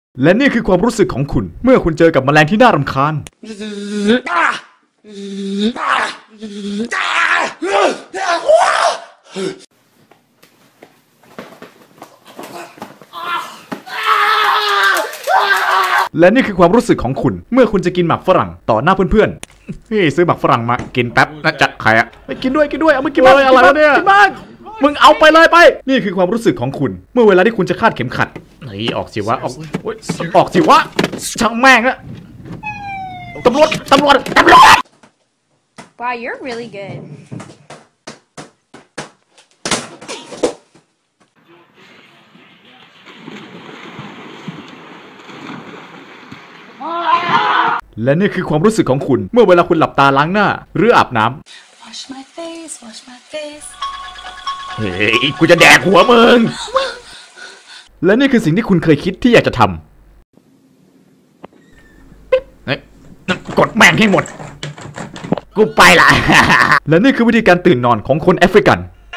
และนี่คือความรู้สึกของคุณเมื่อคุณเจอกับแมลงที่น่ารำคาญและนี่คือความรู้สึกของคุณเมื่อคุณจะกินหมากฝรั่งต่อหน้าเพื่อนๆเฮ้ยซื้อหมากฝรั่งมากินแป๊บนะจัดใครอะไปกินด้วยเอามากินบ้างอะไรเนี่ยกินบ้างมึงเอาไปเลยไปนี่คือความรู้สึกของคุณเมื่อเวลาที่คุณจะคาดเข็มขัดเฮ้ยออกสิวะออกสิวะช่างแม่งอะตำรวจ Wow, you're really good. และนี่คือความรู้สึกของคุณเมื่อเวลาคุณหลับตาล้างหน้าหรืออาบน้ำ Wash my face. เฮ้ยกูจะแดกหัวมึงและนี่คือสิ่งที่คุณเคยคิดที่อยากจะทำกดแม่งให้หมดกูไปละ และนี่คือวิธีการตื่นนอนของคนแอฟริกัน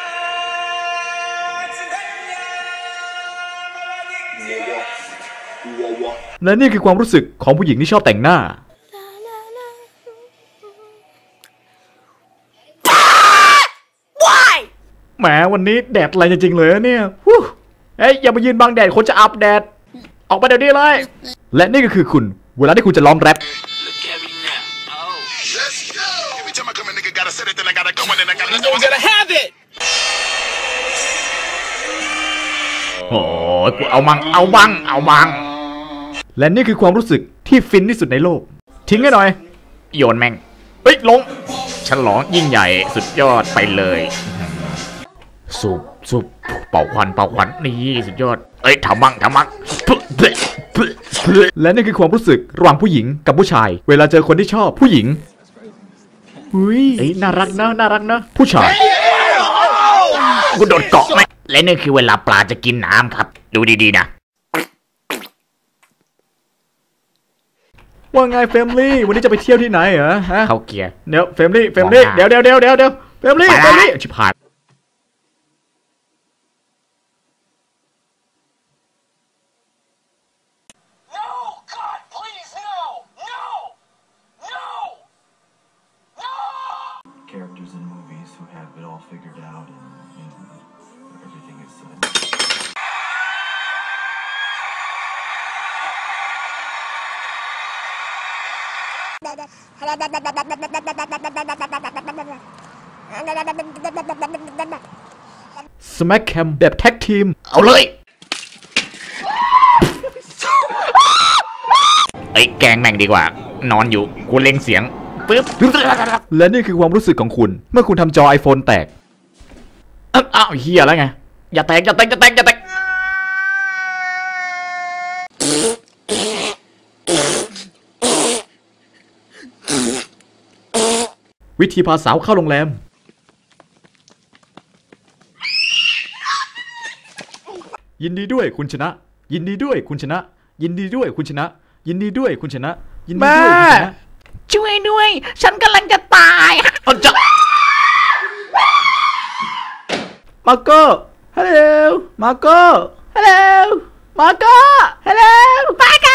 และนี่คือความรู้สึกของผู้หญิงที่ชอบแต่งหน้าแหมวันนี้แดดอะไรจริงๆเลยเนี่ยเฮ้ยอย่ามายืนบังแดดคนจะอับแดดออกไปเดี๋ยวนี้เลยและนี่ก็คือคุณเวลาที่คุณจะร้องแรปโอ้ยกูเอาบังและนี่คือความรู้สึกที่ฟินที่สุดในโลกทิ้งให้หน่อยโยนแม่งเฮ้ยลงฉลองยิ่งใหญ่สุดยอดไปเลยสุบเป่าควันนี่สุดยอดเอ้ยทำมั่งและนี่คือความรู้สึกระหว่างผู้หญิงกับผู้ชายเวลาเจอคนที่ชอบผู้หญิงอุ้ยน่ารักนะผู้ชายกูโดดเกาะไหมและนี่คือเวลาปลาจะกินน้ำครับดูดีๆนะว่าไงเฟมลี่วันนี้จะไปเที่ยวที่ไหนเหรอฮะเข้าเกียร์เดี๋ยวเฟมลี่เดี๋ยวเฟมลี่ชิบหาย characters in movies who have it all figured out and everything is said. สแม็กแคมแบบแท็กทีมเอาเลยไอ้แกงแม่งดีกว่านอนอยู่กูเล็งเสียงปึ๊บและนี่คือความรู้สึกของคุณเมื่อคุณทำจอ iPhone แตกอ้าวเฮียแล้วไงอย่าแตกวิธีพาสาวเข้าโรงแรมยินดีด้วยคุณชนะยินดีด้วยคุณชนะช่วยด้วยฉันกำลังจะตายมาโก้ฮัลโหลมาโก้ฮัลโหลมาโก้ฮัลโหลมาโก้